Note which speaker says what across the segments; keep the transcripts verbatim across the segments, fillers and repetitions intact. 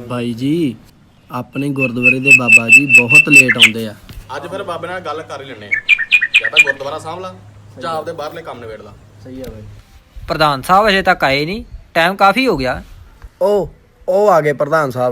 Speaker 1: ਬਾਈ ਜੀ ਆਪਣੇ ਗੁਰਦੁਆਰੇ ਦੇ ਬਾਬਾ ਜੀ ਬਹੁਤ ਲੇਟ ਆਉਂਦੇ ਆ।
Speaker 2: ਅੱਜ ਫਿਰ ਬਾਬੇ ਨਾਲ ਗੱਲ ਕਰ ਹੀ ਲੈਣੇ ਆ। ਜਾਂ ਤਾਂ ਗੁਰਦੁਆਰਾ ਸਾਂਭ ਲਾ ਜਾਂ ਆਪਦੇ ਬਾਹਰਲੇ ਕੰਮ ਨਿਬੇੜ ਲਾ।
Speaker 1: ਸਹੀ ਆ ਬਾਈ।
Speaker 3: ਪ੍ਰਧਾਨ ਸਾਹਿਬ ਅਜੇ ਤੱਕ ਆਏ ਨਹੀਂ, ਟਾਈਮ ਕਾਫੀ ਹੋ ਗਿਆ।
Speaker 1: ਉਹ ਉਹ ਆ ਗਏ ਪ੍ਰਧਾਨ ਸਾਹਿਬ।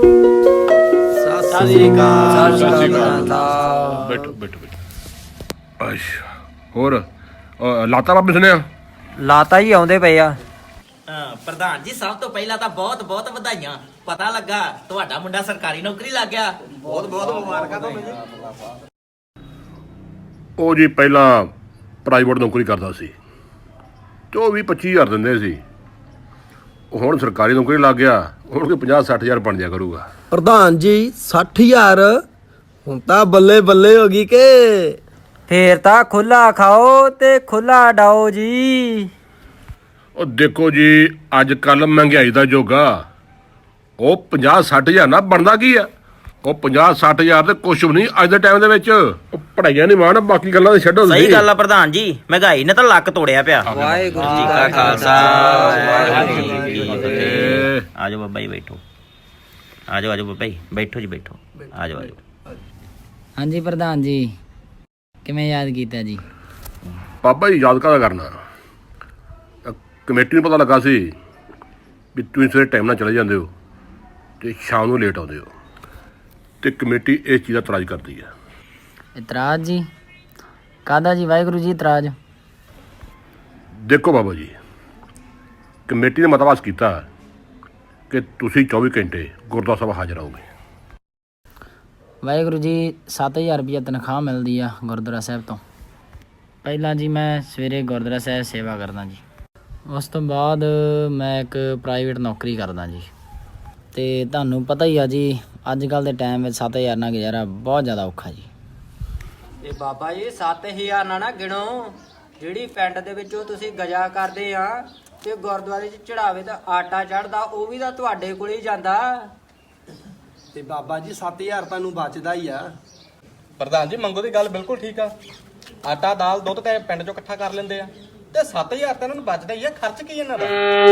Speaker 3: ਸਤਿ ਸ੍ਰੀ ਅਕਾਲ। ਸਤਿ ਸ੍ਰੀ ਅਕਾਲ।
Speaker 4: ਬੈਠੋ ਬੈਠੋ ਬੈਠੋ। ਅੱਛਾ ਹੋਰ ਅਹ, ਲਾਤਾ ਬਾਬੇ ਸੁਣਿਆ?
Speaker 3: ਲਾਤਾ ਹੀ ਆਉਂਦੇ ਪਏ ਆ।
Speaker 5: ਹਾਂ ਪ੍ਰਧਾਨ ਜੀ, ਸਭ ਤੋਂ ਪਹਿਲਾਂ ਤਾਂ ਬਹੁਤ ਬਹੁਤ ਵਧਾਈਆਂ। ਪਤਾ ਲੱਗਾ ਤੁਹਾਡਾ ਮੁੰਡਾ ਸਰਕਾਰੀ ਨੌਕਰੀ ਲੱਗ ਗਿਆ। ਬਹੁਤ ਬਹੁਤ ਮੁਬਾਰਕਾਂ ਤੁਹਾਨੂੰ ਜੀ।
Speaker 4: ਉਹ ਜੀ ਪਹਿਲਾਂ ਪ੍ਰਾਈਵੇਟ ਨੌਕਰੀ ਕਰਦਾ ਸੀ ਤੇ ਉਹ ਵੀ ਪੱਚੀ ਹਜ਼ਾਰ ਦਿੰਦੇ ਸੀ। ਉਹ ਹੁਣ ਸਰਕਾਰੀ ਨੌਕਰੀ ਲੱਗ ਗਿਆ, ਹੁਣ ਕੋਈ ਪੰਜਾਹ ਸੱਠ ਹਜ਼ਾਰ ਬਣ ਜਾ ਕਰੂਗਾ।
Speaker 1: ਪ੍ਰਧਾਨ ਜੀ ਸੱਠ ਹਜ਼ਾਰ ਹੁਣ ਤਾਂ ਬੱਲੇ ਬੱਲੇ ਹੋ ਗਈ ਕਿ
Speaker 3: ਫੇਰ ਤਾਂ ਖੁੱਲਾ ਖਾਓ ਤੇ ਖੁੱਲਾ ਡਾਓ ਜੀ।
Speaker 4: ਉਹ ਦੇਖੋ ਜੀ ਅੱਜ ਕੱਲ ਮਹਿੰਗਾਈ ਦਾ ਯੁੱਗ ਆ। ਉਹ ਪੰਜਾਹ ਸੱਠ ਹਜ਼ਾਰ ਨਾ ਬਣਦਾ ਕੀ ਆ? ਉਹ ਪੰਜਾਹ ਸੱਠ ਹਜ਼ਾਰ ਤੇ ਕੁਛ ਵੀ ਨਹੀਂ ਅੱਜ ਦੇ ਟਾਈਮ ਦੇ ਵਿੱਚ। ਉਹ ਪੜਾਈਆਂ ਨਹੀਂ ਮਾਣ, ਬਾਕੀ ਗੱਲਾਂ ਤਾਂ ਛੱਡੋ।
Speaker 5: ਸਹੀ ਗੱਲ ਆ ਪ੍ਰਧਾਨ ਜੀ, ਮਹਿੰਗਾਈ ਨੇ ਤਾਂ ਲੱਕ ਤੋੜਿਆ ਪਿਆ।
Speaker 3: ਵਾਹਿਗੁਰੂ
Speaker 5: ਜੀ ਕਾ ਖਾਲਸਾ ਵਾਹਿਗੁਰੂ ਜੀ ਕੀ ਫਤਿਹ। ਆਜੋ ਬਾਬਾ ਜੀ ਬੈਠੋ। ਆਜੋ ਆਜੋ ਬਾਬਾ ਜੀ ਬੈਠੋ ਜੀ ਬੈਠੋ। ਆਜੋ ਆਜੋ।
Speaker 6: ਹਾਂਜੀ ਪ੍ਰਧਾਨ ਜੀ, ਕਿਵੇਂ ਯਾਦ ਕੀਤਾ ਜੀ?
Speaker 4: ਬਾਬਾ ਜੀ ਯਾਦ ਕਾਹਦਾ ਕਰਨਾ, ਕਮੇਟੀ ਨੂੰ ਪਤਾ ਲੱਗਾ ਸੀ ਵੀ ਤੁਸੀਂ ਸਵੇਰੇ ਟਾਈਮ ਨਾਲ ਚਲੇ ਜਾਂਦੇ ਹੋ ਤੇ ਸ਼ਾਮ ਨੂੰ ਲੇਟ ਆਉਂਦੇ ਹੋ, ਤੇ ਕਮੇਟੀ ਇਸ ਚੀਜ਼ ਦਾ ਇਤਰਾਜ਼ ਕਰਦੀ ਹੈ।
Speaker 6: ਇਤਰਾਜ਼ ਜੀ ਕਾਹਦਾ ਜੀ ਵਾਹਿਗੁਰੂ ਜੀ ਇਤਰਾਜ਼?
Speaker 4: ਦੇਖੋ ਬਾਬਾ ਜੀ, ਕਮੇਟੀ ਨੇ ਮਤਵਾਸ ਕੀਤਾ ਕਿ ਤੁਸੀਂ ਚੌਵੀ ਘੰਟੇ ਗੁਰਦੁਆਰਾ ਸਾਹਿਬ ਹਾਜ਼ਰ ਰਹੋਗੇ।
Speaker 6: ਵਾਹਿਗੁਰੂ ਜੀ ਸੱਤ ਹਜ਼ਾਰ ਰੁਪਈਆ ਤਨਖਾਹ ਮਿਲਦੀ ਆ ਗੁਰਦੁਆਰਾ ਸਾਹਿਬ ਤੋਂ। ਪਹਿਲਾਂ ਜੀ ਮੈਂ ਸਵੇਰੇ ਗੁਰਦੁਆਰਾ ਸਾਹਿਬ ਸੇਵਾ ਕਰਦਾ ਜੀ, ਉਸ ਤੋਂ ਬਾਅਦ ਮੈਂ ਇੱਕ ਪ੍ਰਾਈਵੇਟ ਨੌਕਰੀ ਕਰਦਾ ਜੀ। ਅਤੇ ਤੁਹਾਨੂੰ ਪਤਾ ਹੀ ਆ ਜੀ ਅੱਜ ਕੱਲ੍ਹ ਦੇ ਟਾਈਮ ਵਿੱਚ ਸੱਤ ਹਜ਼ਾਰ ਨਾਲ ਗੁਜ਼ਾਰਾ ਬਹੁਤ ਜ਼ਿਆਦਾ ਔਖਾ ਜੀ।
Speaker 3: ਇਹ ਬਾਬਾ ਜੀ ਸੱਤ ਹਜ਼ਾਰ ਨਾ ਨਾ ਗਿਣੋ, ਜਿਹੜੀ ਪਿੰਡ ਦੇ ਵਿੱਚੋਂ ਤੁਸੀਂ ਗਜਾ ਕਰਦੇ ਆ ਤੇ ਗੁਰਦੁਆਰੇ 'ਚ ਚੜਾਵੇ ਤਾਂ ਆਟਾ ਚੜਦਾ, ਉਹ ਵੀ ਤਾਂ ਤੁਹਾਡੇ ਕੋਲ ਹੀ ਜਾਂਦਾ।
Speaker 1: ਤੇ ਬਾਬਾ ਜੀ ਸੱਤ ਹਜ਼ਾਰ ਤੁਹਾਨੂੰ ਬਚਦਾ ਹੀ ਆ।
Speaker 2: ਪ੍ਰਧਾਨ ਜੀ ਮੰਗੋ ਦੀ ਗੱਲ ਬਿਲਕੁਲ ਠੀਕ ਆ। ਆਟਾ ਦਾਲ ਦੁੱਧ ਤੇ ਪਿੰਡ ਚੋਂ ਇਕੱਠਾ ਕਰ ਲੈਂਦੇ ਆ ਤੇ ਸੱਤ ਹਜ਼ਾਰ ਤਾਂ ਇਹਨਾਂ ਨੂੰ ਬਚਦਾ ਹੀ ਆ। ਖਰਚ ਕੀ ਇਹਨਾਂ ਦਾ?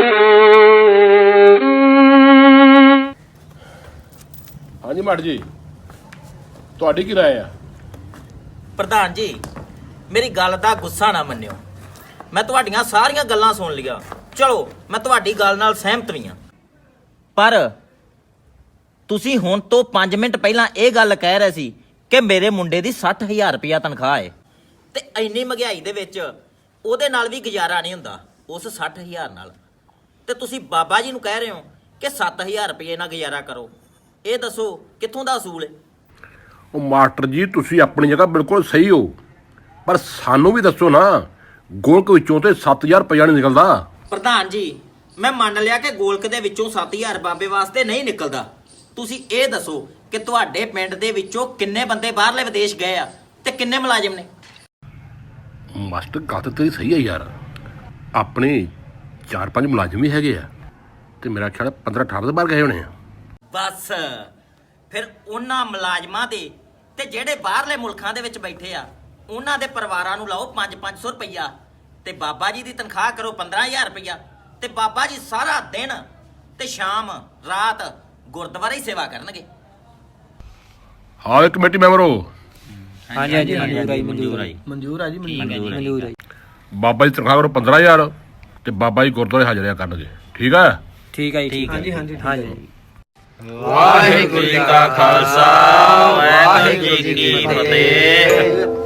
Speaker 4: ਹਾਂਜੀ ਮਾਟ ਜੀ, ਤੁਹਾਡੀ ਕੀ ਰਾਏ ਆ?
Speaker 5: ਪ੍ਰਧਾਨ ਜੀ ਮੇਰੀ ਗੱਲ ਦਾ ਗੁੱਸਾ ਨਾ ਮੰਨਿਓ, ਮੈਂ ਤੁਹਾਡੀਆਂ ਸਾਰੀਆਂ ਗੱਲਾਂ ਸੁਣ ਲਈਆਂ। ਚਲੋ ਮੈਂ ਤੁਹਾਡੀ ਗੱਲ ਨਾਲ ਸਹਿਮਤ ਵੀ ਹਾਂ, ਪਰ ਤੁਸੀਂ ਹੁਣ ਤੋਂ ਪੰਜ ਮਿੰਟ ਪਹਿਲਾਂ ਇਹ ਗੱਲ ਕਹਿ ਰਹੇ ਸੀ ਕਿ ਮੇਰੇ ਮੁੰਡੇ ਦੀ ਸੱਠ ਹਜ਼ਾਰ ਰੁਪਇਆ ਤਨਖਾਹ ਹੈ ਤੇ ਇੰਨੀ ਮਹਿੰਗਾਈ ਦੇ ਵਿੱਚ ਉਹਦੇ ਨਾਲ ਵੀ ਗੁਜ਼ਾਰਾ ਨਹੀਂ ਹੁੰਦਾ ਉਸ ਸੱਠ ਹਜ਼ਾਰ ਨਾਲ, ਤੇ ਤੁਸੀਂ ਬਾਬਾ ਜੀ ਨੂੰ ਕਹਿ ਰਹੇ ਹੋ ਕਿ ਸੱਤ ਹਜ਼ਾਰ ਰੁਪਏ ਨਾਲ ਗੁਜ਼ਾਰਾ ਕਰੋ। ਇਹ ਦੱਸੋ ਕਿੱਥੋਂ ਦਾ ਅਸੂਲ ਹੈ?
Speaker 4: ਉਹ ਮਾਸਟਰ ਜੀ ਤੁਸੀਂ ਆਪਣੀ ਜਗ੍ਹਾ ਬਿਲਕੁਲ ਸਹੀ ਹੋ, ਪਰ ਸਾਨੂੰ ਵੀ ਦੱਸੋ ਨਾ, ਗੋਲਕ ਵਿੱਚੋਂ ਤੇ ਸੱਤ ਹਜ਼ਾਰ ਰੁਪਇਆ ਨਹੀਂ ਨਿਕਲਦਾ।
Speaker 5: ਪ੍ਰਧਾਨ ਜੀ ਮੈਂ ਮੰਨ ਲਿਆ ਕਿ ਗੋਲਕ ਦੇ ਵਿੱਚੋਂ ਸੱਤ ਹਜ਼ਾਰ ਬਾਬੇ ਵਾਸਤੇ ਨਹੀਂ ਨਿਕਲਦਾ। ਤੁਸੀਂ ਇਹ ਦੱਸੋ ਕਿ ਤੁਹਾਡੇ ਪਿੰਡ ਦੇ ਵਿੱਚੋਂ ਕਿੰਨੇ ਬੰਦੇ ਬਾਹਰਲੇ ਵਿਦੇਸ਼ ਗਏ ਆ ਤੇ ਕਿੰਨੇ ਮੁਲਾਜ਼ਮ ਨੇ?
Speaker 4: ਮਾਸਟਰ ਗੱਲ ਤਾਂ ਤੇਰੀ ਸਹੀ ਹੈ ਯਾਰ, ਆਪਣੇ ਚਾਰ ਪੰਜ ਮੁਲਾਜ਼ਮ ਵੀ ਹੈਗੇ ਆ ਤੇ ਮੇਰਾ ਖਿਆਲ ਪੰਦਰਾਂ ਅਠਾਰਾਂ ਦੇ ਬਾਹਰ ਗਏ ਹੋਣੇ ਆ।
Speaker 5: ਬਸ ਫਿਰ ਉਹਨਾਂ ਮੁਲਾਜ਼ਮਾਂ ਦੇ ਤੇ ਜਿਹੜੇ ਬਾਹਰਲੇ ਮੁਲਕਾਂ ਦੇ ਵਿੱਚ ਬੈਠੇ ਆ ਉਹਨਾਂ ਦੇ ਪਰਿਵਾਰਾਂ ਨੂੰ ਲਾਓ ਪੰਜ ਪੰਜ ਸੌ ਰੁਪਈਆ ਤੇ ਬਾਬਾ ਜੀ ਦੀ ਤਨਖਾਹ ਕਰੋ ਪੰਦਰਾਂ ਹਜ਼ਾਰ ਰੁਪਈਆ, ਤੇ ਬਾਬਾ ਜੀ ਸਾਰਾ ਦਿਨ ਤੇ ਸ਼ਾਮ ਰਾਤ ਗੁਰਦੁਆਰੇ ਹੀ ਸੇਵਾ ਕਰਨਗੇ।
Speaker 4: ਹਾਂ ਇੱਕ ਕਮੇਟੀ ਮੈਂਬਰ ਹੋ।
Speaker 3: ਹਾਂਜੀ ਹਾਂਜੀ ਮਨਜ਼ੂਰ ਆਈ ਮਨਜ਼ੂਰ ਆਈ
Speaker 1: ਮਨਜ਼ੂਰ ਆ ਜੀ ਮਨਜ਼ੂਰ।
Speaker 3: ਮਨਜ਼ੂਰ ਆਈ।
Speaker 4: ਬਾਬਾ ਜੀ ਤਨਖਾਹ ਕਰੋ ਪੰਦਰਾਂ ਹਜ਼ਾਰ ਤੇ ਬਾਬਾ ਜੀ ਗੁਰਦੁਆਰੇ ਹਾਜ਼ਰਿਆ ਕਰਨਗੇ। ਠੀਕ ਹੈ?
Speaker 3: ਠੀਕ ਹੈ ਜੀ।
Speaker 1: ਹਾਂਜੀ ਹਾਂਜੀ
Speaker 3: ਹਾਂਜੀ।
Speaker 5: ਵਾਹਿਗੁਰੂ ਜੀ ਕਾ ਖਾਲਸਾ ਵਾਹਿਗੁਰੂ ਜੀ ਕੀ ਫਤਿਹ।